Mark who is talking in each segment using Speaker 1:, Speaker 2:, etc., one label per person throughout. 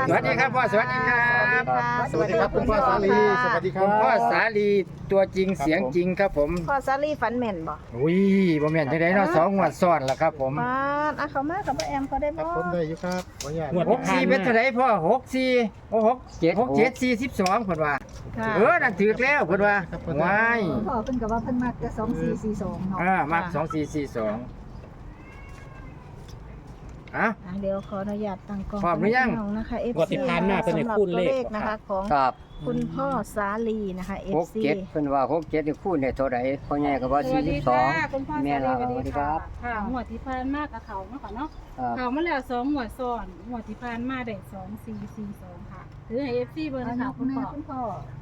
Speaker 1: สวัสดีครับพ่อสวัสดีครับ
Speaker 2: สวัสดีครับคุณพ่อสาลีสวัสดีครั
Speaker 1: คุ
Speaker 2: บ
Speaker 1: ณพ่อสาลีตัวจริงเสียงจริงครับผม
Speaker 3: พ่อสาลีฝันแม่นบ่
Speaker 1: อุ้ยบ่แม่นจังได๋เนาะ2 งวดซ้อนแล้วครับผม
Speaker 3: มาเขามากับพ่อแอมเขาได้
Speaker 2: ครั
Speaker 3: บ่
Speaker 2: บผมได้อยู่ครับขออนุญาต
Speaker 1: 64เป็นเท่าไหร่พ่อ64โอ้6 7 42เพิ่นว่า
Speaker 3: ค่ะ
Speaker 1: นั่นถูกแล้วเพิ่นว่าว้าย
Speaker 4: พ่อเพิ่นก็ว่าเพิ่นมักจะ2442เนาะ
Speaker 1: มัก2442อ่ะ
Speaker 3: เดี๋ยวขออนุญาตตั้งกล้อง
Speaker 1: พร้อมหรือยัง
Speaker 3: นะคะ FC
Speaker 5: งวดที่ผ่านมาเพิ่นให้คูณเลข
Speaker 3: นะคะของ
Speaker 6: ครับ
Speaker 3: คุณพ่อสาลีนะคะ
Speaker 6: หก
Speaker 3: FC
Speaker 6: เจ็ดเพิ่นว่า67นี่คูณได้เท่าใดพ่อใหญ่ก็ว่า
Speaker 7: สวัสดีค่ะคุณพ่อ
Speaker 6: 42แม่
Speaker 7: สา
Speaker 6: ล่ะ
Speaker 7: ลี
Speaker 6: สวัสดีครับ
Speaker 7: ค่ะหมวดที่ผ่านมากกับเขาเนาะค่ะเนาะ
Speaker 6: ครับ
Speaker 7: เขามาแล้ว2หมวดซ้อนหมวดที่ผ่านมาได้2442ค่ะถือให้ FC เบอร์
Speaker 4: อา
Speaker 7: นะ
Speaker 4: ยุ
Speaker 7: คะคุณ
Speaker 4: แม่
Speaker 7: พ่อ
Speaker 4: คุณพ่อ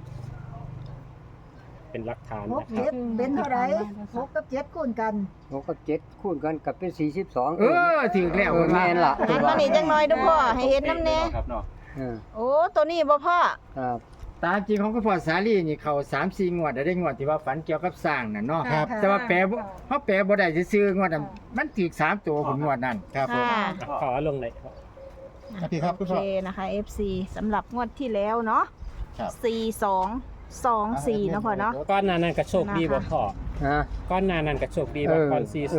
Speaker 5: เป็นหลักฐาน
Speaker 4: หก
Speaker 5: นะค
Speaker 4: เจ็
Speaker 5: รับ
Speaker 4: ดเป็นเท่าไหร่หกกับเจ็ดคูณกัน
Speaker 6: 6กับ7คูณกันก็เป็น42
Speaker 1: ถูกแล้วเพิ่นว่า
Speaker 6: แม่นล่ะ
Speaker 3: หันมานี่จังหน่อยเด้อพ่อให้เห็นน้ำแน่
Speaker 6: เออ
Speaker 3: โอ้ตัวนี้บ่พ่อ
Speaker 6: ครับ
Speaker 1: ตามจริงของคุณพ่อสาลีนี่เข้า3-4 งวดได้งวดที่ว่าฝันเกี่ยวกับสร้างน่ะเนาะ
Speaker 2: ครับ
Speaker 1: แต่ว่าแปลบ่เฮาแปลบ่ได้ซื่อๆงวดนั้นมันถูก3ตัวผมงวดนั้น
Speaker 2: ครับผม
Speaker 3: ค่ะ
Speaker 5: ขอลงหน่อยครับ
Speaker 2: สวัสดีครับ
Speaker 3: โอ
Speaker 2: คุณ
Speaker 3: เค
Speaker 2: พ่อ
Speaker 3: นะคะ FC สำหรับงวดที่แล้วเนาะ
Speaker 2: ครับ
Speaker 3: 4224เนาะพ่อเนาะ
Speaker 5: ก้อนหนานั้นก็โชคดีบ่พ่อ
Speaker 6: ฮะ
Speaker 5: ก้อนหนานั้นก็โชคดีบ่ก้อน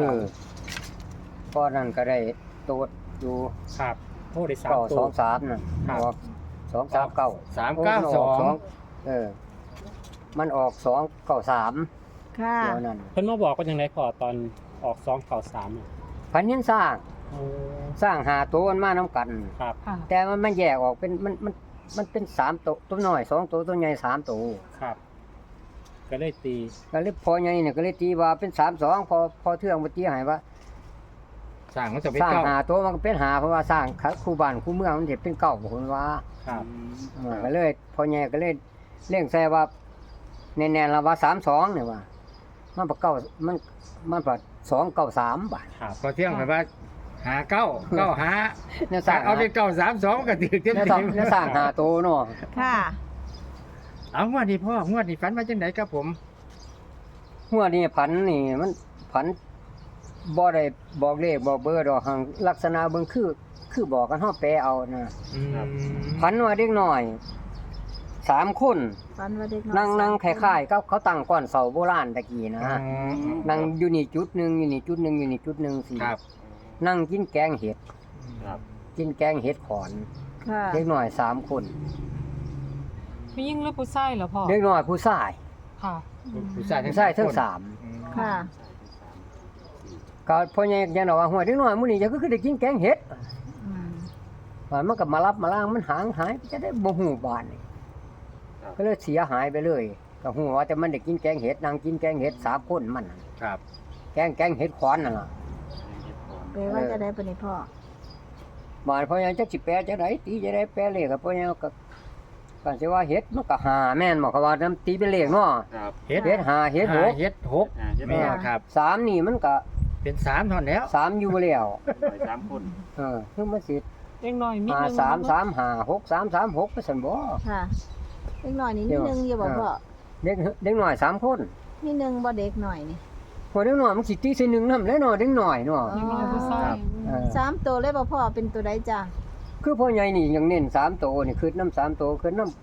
Speaker 5: 42
Speaker 6: ก้อนนั้นก็ได้โตดอยู่
Speaker 5: ครับโทษได้3ตัว
Speaker 6: 923น่ะ
Speaker 5: ครับ
Speaker 6: ออก239
Speaker 1: 392
Speaker 6: เออมันออก293
Speaker 3: ค่ะ
Speaker 6: ตัวนั้น
Speaker 5: เพิ่นมาบอกว่าจังไดพ่อตอนออก293อ่ะ
Speaker 6: พันยังสร้างหาตัวมันมานํกัน
Speaker 5: ครับ
Speaker 6: แต่มันแยกออกเป็นมันเป็น3ตัวตัวน้อย2ตัวตัวใหญ่3ตัว
Speaker 5: ครับ ก็เลยตี
Speaker 6: ก็เลยพอใหญ่เนี่ยก็เลยตีว่าเป็น32พอเทื่องบ่ตีให้ว่า
Speaker 1: สร้างมันจะเป็น
Speaker 6: สร้าง
Speaker 1: เก้า
Speaker 6: หาตัวมันก็เป็นหาเพราะว่าสร้างคู่บ้านคู่เมืองมันสิเป็นเก่าบ่คนว่า
Speaker 5: ครับ
Speaker 6: ก็เลยพอใหญ่ก็เลยเร่งใส่ว่าแน่ๆแล้วว่า32เนี่ยว่ามันบ่เก่ามันบ่293บาท
Speaker 5: ครับ
Speaker 1: พอเที่ยงไปว่าหาเก้าหา
Speaker 6: เนี่ยสร้าง
Speaker 1: เอาเป็น932ก็ถือเต็ม
Speaker 6: เนี่ย
Speaker 1: เต็ม
Speaker 6: เนี่ยสร้างหาตัวเนาะ
Speaker 3: ค่ะ
Speaker 1: เอางวดนี้พ่องวดนี้ฝันว่าจังไดครับผม
Speaker 6: หัวนี่ผันนี่มันผันบ่ได้บอกเลขบอกเบอร์ดอกหังลักษณะเบิ่งคือบอกกันเฮาแปลเอานะ พันว่าเด็กน้อย3คน
Speaker 3: ฝันว่าเด็กน้อย
Speaker 6: นั่งคล้ายๆกับเขาตั้งก้อนเสาโบราณตะกี้นะนั่งอยู่นี่จุดหนึงอยู่นี่จุดหนึงอยู่นี่จุดหนึงสิ
Speaker 1: ครับ
Speaker 6: นั่งกินแกงเห็ด
Speaker 5: ครับ
Speaker 6: กินแกงเห็ดขอน
Speaker 3: ค่ะ
Speaker 6: เด็กน้อย3คน
Speaker 8: ผู้หญิงหรือผู้ชายเหรอพ่อ
Speaker 6: เด็กน้อยผู้ชาย
Speaker 8: ค่ะ
Speaker 1: ผู้ชาย
Speaker 6: ผู้ชายทั้ง
Speaker 3: ค่ะ
Speaker 6: 3ก็พ่อใหญ่ยังว่าหัวเด็กน้อยมื้อนี้จะคือได้กินแกงเห็ด
Speaker 3: อืม
Speaker 6: ว่ามันก็มารับมาล้างมันหายไปจะได้บ่ฮู้บ้านนี่ก็เลยเสียหายไปเลยก็ฮู้ว่าแต่มันได้กินแกงเห็ดนั่งกินแกงเห็ด3คนมันน่ะ
Speaker 1: ครับ
Speaker 6: แกงเห็ดขอนนั่นล่ะ
Speaker 3: แปลว่าจะได้ปะนี่พ่อ
Speaker 6: บ้านพ่อยังจักสิแปลจะได้ตีจะได้แปลเลขกับพ่อยังก็กันสิว่าเฮ็ดมันก็หาแม่นบ่เขาว่านํตีเป็นเลขเนาะ
Speaker 1: เฮ็ด
Speaker 6: เฮ็ดหาเฮ็ดหก
Speaker 1: เฮ็ด6แม่ครับ
Speaker 6: 3นี่มันก็
Speaker 1: เป็น3เท่านั้นแล้ว
Speaker 6: 3อยู่แล้วคือมันสิ
Speaker 8: เล็กน้อยมิด
Speaker 6: หา
Speaker 8: นึง
Speaker 6: 3 3 5 6 3 3 6ไปซั่นบ่
Speaker 3: ค่ะเด็กหน่อยนี่มีหนึ่งอยู่บ่พ่อ
Speaker 6: เด็กน้อย3คน
Speaker 3: มีหนึ่งบ่เด็กหน่อยนี่
Speaker 6: พอเด็กน้อยมันสิตีใส่1นำแล้วเนาะเด็กน้อยเนาะ
Speaker 8: เล็กน้อยผู้ชาย
Speaker 6: เออ
Speaker 3: สามตัวเลยบ่พ่อเป็นตัวใดจ้ะ
Speaker 6: คือพ่อใหญ่นี่ยังเน้น3โตวนี่คือนำ3โตวคือนำ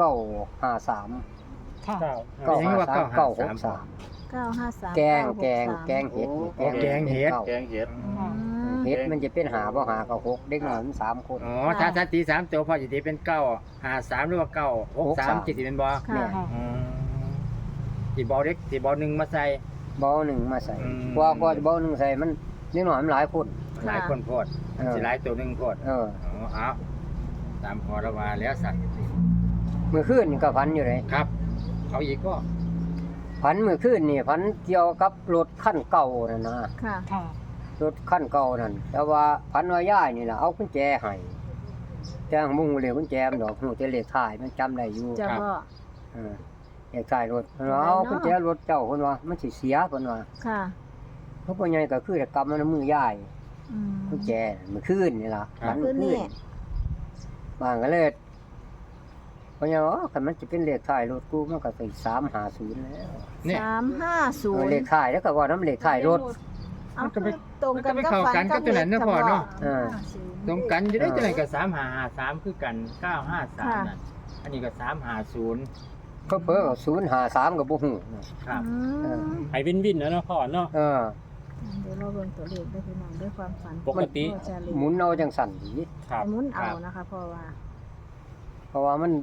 Speaker 6: 953
Speaker 8: ค่ะ
Speaker 1: ยังว่า
Speaker 6: 953 963
Speaker 3: 953
Speaker 6: แกงเห็ดนี่
Speaker 1: แกงเห็ด
Speaker 6: ก้า เฮ็ดมันจะเป็นหาบ่หาก็6เด็กน้อยมัน3คน
Speaker 1: อ๋อถ้าตี3ตัวพ่อสิตีเป็น9 53หรือว่า9 63สิเป็นบ่
Speaker 3: ค่ะ
Speaker 1: สิบ่เด็กสิบ่1มาใส่
Speaker 6: บ่หนึ่งมาใส่
Speaker 1: อืม
Speaker 6: กว่าบ่หนึ่งใส่มันเด็กน้อยมันหลายคน
Speaker 1: หลายคนโพดสิหลายตัวนึงโพด
Speaker 6: เออ
Speaker 1: อ๋อเอาตามพอระว่าแล้วสั่น
Speaker 6: มื้อคืนนี่ก็ฝันอยู่เลย
Speaker 1: ครับเอาอีกก็
Speaker 6: ฝันมื้อคืนนี่ฝันเกี่ยวกับรถคันเก่านั่นนะ
Speaker 3: ค่ะ
Speaker 8: ค่ะ
Speaker 6: รถคันเก่านั่นแต่ว่าฝันว่ายายนี่ล่ะเอากุญแจให้แต่มุ่งเลยกุญแจมันดอกฮู้แต่เลขท้ายมันจำได้อยู่
Speaker 3: จะพ่อ
Speaker 6: เออเลขท้ายรถเพิ่นว่าเอากุญแจรถเจ้าเพิ่นว่ามันสิเสียเพิ่นว่า
Speaker 3: ค่ะ
Speaker 6: เพราะพ่อใหญ่ก็คือจะกำมันในมือยาย
Speaker 3: อืม
Speaker 6: กุญแจมื้อคืนนี่ล่ะฝัน
Speaker 3: คื
Speaker 6: มื้
Speaker 3: น
Speaker 6: อคื
Speaker 3: นี้
Speaker 6: นบางก็เลยเพราะอย่างคันมันจะเป็นเลขท้ายรถกูมันก็สิ350แล้ว
Speaker 1: เนี่ย
Speaker 6: เลข
Speaker 3: 350
Speaker 6: ท้ายแล้วก็ว่าน้ำเลขท้ายรถ
Speaker 3: เอาคือตรงกัน
Speaker 1: มันก็
Speaker 3: กับ
Speaker 1: ไปเข้า
Speaker 3: ฝัน
Speaker 1: กันกับตัวนั้นเนาะพ่อเนาะ
Speaker 6: เออ
Speaker 1: ตรงกันอยู่ได้จังได๋ก็3553คือกัน953นั่นอันนี้ก็350
Speaker 6: เพิ่น053ก็บ่ฮู้
Speaker 1: ครับ
Speaker 3: อืม
Speaker 5: ไปวินนะเนาะพ่อเนาะ
Speaker 6: เออ
Speaker 3: เดี๋ยวเราเบิ่งตัวเลขด้วยพี่น้องด้วยความฝัน
Speaker 5: ปกติ
Speaker 3: พ่อชาลี
Speaker 6: หมุนเอาจังสั่นดี
Speaker 5: ครับ
Speaker 3: หมุนเอานะคะเพราะว่า
Speaker 6: เพราะว่ามัน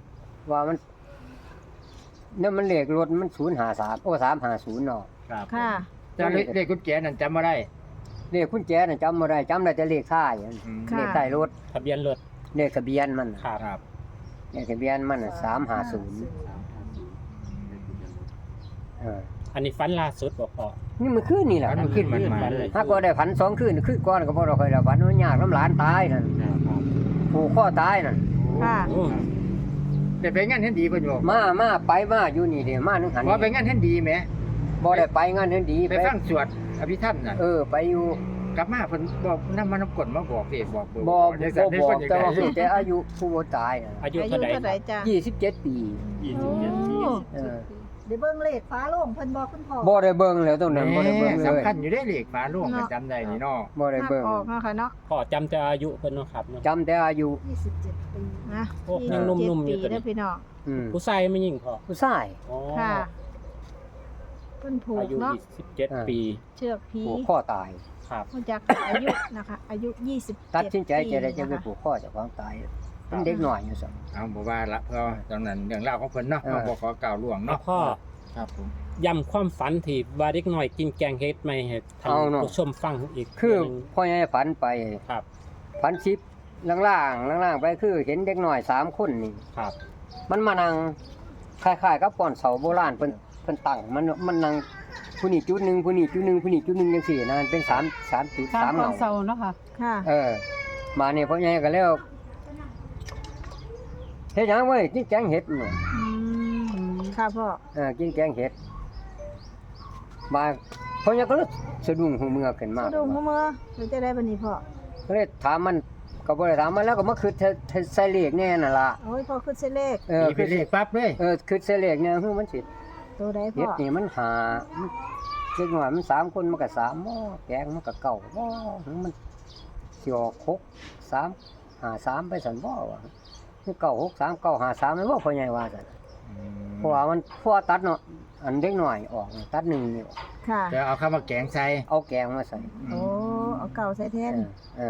Speaker 6: เนี่ยมันเลขรถมัน053โอ้350เนาะ
Speaker 1: ครับ
Speaker 3: ค่ะ
Speaker 1: แต่เลขกุญแจนั่นจำบ่ได้
Speaker 6: เลขกุญแจน่ะจำบ่ได้จำได้แต่เลขท้ายอัน
Speaker 1: อืม
Speaker 3: ค่ะ
Speaker 6: เลขท้ายรถ
Speaker 5: ทะเบียนรถ
Speaker 6: เลขทะเบียนมันน่ะ
Speaker 5: ครับ
Speaker 1: ครับ
Speaker 6: เลขทะเบียนมันน่ะ350เออ
Speaker 5: อันนี้ฟันล่าสุดบ่พ่อ
Speaker 6: นี่มันคืนนี่แหละ
Speaker 1: มันขึ้นมันมาเลย
Speaker 6: ถ้าก็ได้ฝัน2คืนคืนก่อนก็บ่ได้ค่อยได้ฝันว่ายากน้ำหลานตายนั่นผูกคอตายนั่น
Speaker 3: ค่ะ
Speaker 5: โอ้
Speaker 1: ได้ไปงานเฮ็ดดีเพิ่นบอก
Speaker 6: มาไปมาอยู่นี่เด้มานึงหัน
Speaker 1: ว่าไปงานเฮ็ดดีแหม
Speaker 6: บ่ได้ไปงานเฮ็ดดี
Speaker 1: ไปฟังสวดอภิธรรมน่ะ
Speaker 6: ไปอยู่
Speaker 1: กลับมาเพิ่นบอกนำมานำกฎมาบอกเด้บอกเบอร์
Speaker 6: บ่
Speaker 1: จังซั่นได้
Speaker 6: บอก
Speaker 1: เพิ่น
Speaker 6: แต่ว่า
Speaker 1: จัง
Speaker 6: แต่อายุผู้บ่ตายน่ะ
Speaker 5: อายุ
Speaker 3: อายุ
Speaker 5: เท่าใด
Speaker 3: เท่าไหร่จ้ะ
Speaker 6: 27 ปี
Speaker 3: 27 ปี
Speaker 6: เออ
Speaker 4: เดี๋ยวเบิ่งเลขฟ้าโล่งเพิ่นบอกคุณพ่อ
Speaker 6: บ่ได้เบิ่งแล้วตรงนั้นบ่ได้เบิ่งเลย
Speaker 1: สำคัญอยู่ได้เลขฝาโลงกันจำได้นี่เนาะ
Speaker 6: บ่ได้เบิ่ง
Speaker 3: ออกเนาะค่ะเนาะ
Speaker 5: พ่อจำแต่อายุเพิ่นเนาะครับเนาะ
Speaker 6: จำแต่อายุ
Speaker 4: 27 ปี
Speaker 3: นะ
Speaker 5: โอ้ยังหนุ่มๆอยู่
Speaker 3: ปี
Speaker 5: ตัวนี้
Speaker 3: เด้อพี่น้อง
Speaker 5: ผู้ชายไม่ยิ่งพ่อ
Speaker 6: ผู้ชาย
Speaker 5: อ๋อ
Speaker 3: ค่ะเพิ่นผูก
Speaker 5: อายุ
Speaker 3: เนาะ
Speaker 5: 27 ปี
Speaker 3: เชือกผี
Speaker 6: ผูกคอตาย
Speaker 5: ครับ
Speaker 3: มาจากอายุนะคะ อายุ27
Speaker 6: ตัดสินใจจะได้จะไป
Speaker 3: ปีนค
Speaker 6: ผูกคอเจ้าของตายเป็นเด็กน้อยอยู่ซั่น
Speaker 1: เอาบ่ว่าละเพราะตอนนั้นเรื่องราวของเพิ่นเนาะ
Speaker 6: เออ
Speaker 1: เราบ่ขอกล่าวล่วง
Speaker 5: แล้ว
Speaker 1: เนาะ
Speaker 5: พ่อ
Speaker 1: ครับผม
Speaker 5: ย้ำความฝันที่ว่าเด็กน้อยกินแกงเฮ็ดไม่ให้ท่านผู้ชมฟังอีก
Speaker 6: คือ
Speaker 5: หนึ่ง
Speaker 6: พ่อใหญ่ฝันไป
Speaker 5: ครับ
Speaker 6: ฝันชิปล่างๆไปคือเห็นเด็กน้อย3คนนี่
Speaker 5: ครับ
Speaker 6: มันมานั่งคล้ายๆกับก่อนเสาโบราณเพิ่นตั้งมันนั่งผู้นี้จุดหนึงผู้นี้จุดหนึงผู้นี้จุดหนึงจังซี่นะมันเป็น3จุด
Speaker 8: ตาม
Speaker 6: 3
Speaker 8: ค
Speaker 6: เงา
Speaker 8: วามเศร้าเนาะค่ะ
Speaker 3: ค่ะ
Speaker 6: มานี่พ่อใหญ่ก็แล้วเฮ็ดหยังเว้ยกินแกงเห็ดนี่
Speaker 3: อืมค่ะพ่อ
Speaker 6: กินแกงเห็ดมาพ่อใหญ่ก็เลยสะดุ้งหูเมือขึ้นมา
Speaker 3: ดูมือมือหรือจะได้บันนี้พ่อ
Speaker 6: ก็เลยถามมันก็บ่ได้ถามมันแล้วก็มาคิดใส่เลขแน่นั่นล่ะ
Speaker 3: โอ้ยพ่อขึ้นเส้นเลข
Speaker 1: มีเป็นเลขปั๊บเลย
Speaker 6: คิดใส่เลขเนี่ยคือมันสิ
Speaker 3: ตัวใด
Speaker 6: เฮ็
Speaker 3: พ่
Speaker 6: ด
Speaker 3: อ
Speaker 6: นี่มันหาเด็กน้อยมัน3คนมันก็3หม้อแกงมันก็เก่าบ่มันสิออก6 3 5 3ไปซั่นบ่ว่าคือเก่า6 3 9 5 3แม่นบ่พ่อใหญ่ว่าซั่นเพราะว่ามันพอตัดเนาะอันเด็กน้อยออกตัด1นี่ออก
Speaker 3: ค่ะ
Speaker 1: จะเอาเข้ามาแกงใส่
Speaker 6: เอาแกงมาใส่
Speaker 3: โอ้เอาเก่าใส่แทน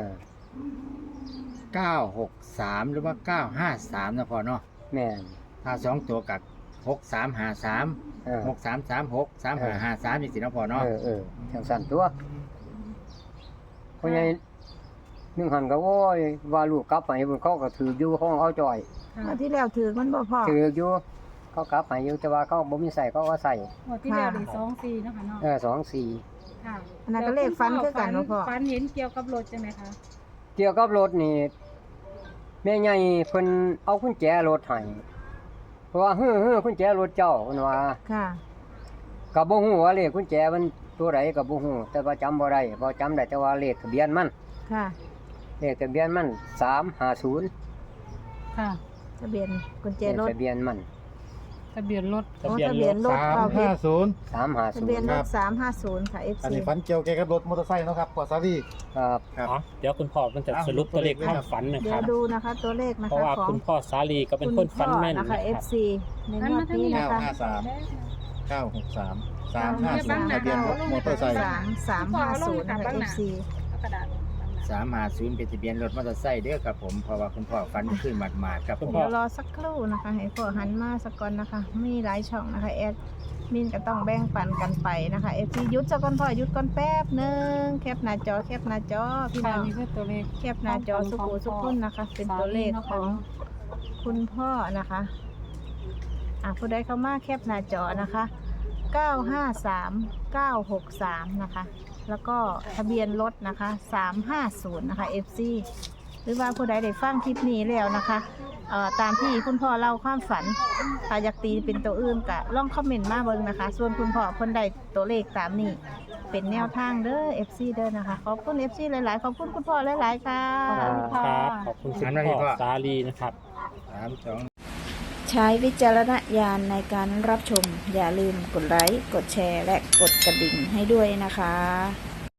Speaker 1: 963หรือว่า953นะพ่อเนาะ
Speaker 6: แม่น
Speaker 1: ถ้า2ตัวกับ6353 6336 3553จังซี่เนาะพ่อเนาะ
Speaker 6: จังสั่นตัวพ่อใหญ่นึงหันก็โอ้ยว่าลูกกลับไปเพิ่นเขาก็ถืออยู่ของเอาจ่อย
Speaker 3: มาที่แล้วถือมันบ่พ่อ
Speaker 6: ถืออยู่เขากลับไปอยู่แต่ว่าเขาบ่มีใส่เขาก็ใส่
Speaker 7: หัวดที่แล้วได้24นะคะเนาะ
Speaker 6: 2 4
Speaker 7: ค่ะ
Speaker 3: อันนั้นก็เลขฟันคือกันเนาะพ่อ
Speaker 7: ฝันเห็นเกี่ยวกับรถใช่ไหมคะ
Speaker 6: เกี่ยวกับรถนี่แม่ใหญ่เพิ่นเอากุญแจรถให้เพราะว่ากุญแจรถเจ้าเพิ่นว่า
Speaker 3: ค่ะ
Speaker 6: ก็บ่ฮู้ว่าเลขกุญแจมันตัวใดก็บ่ฮู้แต่ว่าจำบ่ได้บ่จำได้แต่ว่าเลขทะเบียนมัน
Speaker 3: ค่ะ
Speaker 6: เลขทะเบียนมัน350
Speaker 8: ค่ะ
Speaker 3: ทะเบียนกุญแจรถ
Speaker 6: ทะเบียนมัน
Speaker 8: ทะเบียนรถ
Speaker 3: โอ้ทะเบียนรถพ่อเพชร
Speaker 2: 350
Speaker 3: ทะเบียน
Speaker 6: 350
Speaker 3: รถ350 ค่ะ FC
Speaker 2: อันนี้ฝันเกี่ยวแกกับรถมอเตอร์ไซค์เนาะครับพ่อสาลี
Speaker 6: ครับ
Speaker 2: ครับ
Speaker 5: อ๋อเดี๋ยวคุณพ่อมันจะสรุปตัวเลขความฝันนะ
Speaker 3: เดี๋
Speaker 5: ค
Speaker 3: ย
Speaker 5: รั
Speaker 3: ว
Speaker 5: บ
Speaker 3: ดูนะคะตัวเลขนะ
Speaker 5: เพราะ
Speaker 3: คะ
Speaker 5: ว่า
Speaker 3: ของ
Speaker 5: คุณพ่อสาลีก็เป็นคนฝันแม่น
Speaker 3: นะ
Speaker 5: นะคะ รับ
Speaker 3: FC ในงวดนี้นะคะ
Speaker 2: 953 350ทะเบียนรถมอเตอร์ไซค์
Speaker 3: 350 นะคะ FC
Speaker 7: กระดาษ
Speaker 1: 350เป็นทะเบียนรถมอเตอร์ไซค์เด้อครับผมเพราะว่าคุณพ่อฟันขึ้นหมาดๆครับผม
Speaker 3: เดี๋ยวรอสักครู่นะคะ ให้พ่อหันมาสักก่อนนะคะ มีหลายช่องนะคะแอดมินก็ต้องแบ่งปันกันไปนะคะ FC หยุดสักก่อนพ่อหยุดก่อนแป๊บหนึงแคปหน้าจอพี่
Speaker 8: ค่ะ
Speaker 3: น้อง
Speaker 8: นี่คือตัวเลข
Speaker 3: แคปหน้าจอสุขุสุขคนนะคะ เป็นตัวเลขของคุณพ่อนะคะผู้ใดเข้ามาแคปหน้าจอนะคะ953 963นะคะแล้วก็ทะเบียนรถนะคะ350นะคะ FC หรือว่าผู้ใดได้ฟังคลิปนี้แล้วนะคะตามที่คุณพ่อเล่าความฝันถ้าอยากตีเป็นตัวอื่นก็ลองคอมเมนต์มาเบิ่งนะคะ ส่วนคุณพ่อคนใดตัวเลขตามนี้เป็นแนวทางเด้อ FC เด้อนะคะขอบคุณ FC หลายๆขอบคุณคุณพ่อหลายๆค่ะ
Speaker 5: ครับขอบคุณคุณพ่อสาลีนะครับ
Speaker 3: ใช้วิจารณญาณในการรับชมอย่าลืมกดไลค์กดแชร์และกดกระดิ่งให้ด้วยนะคะ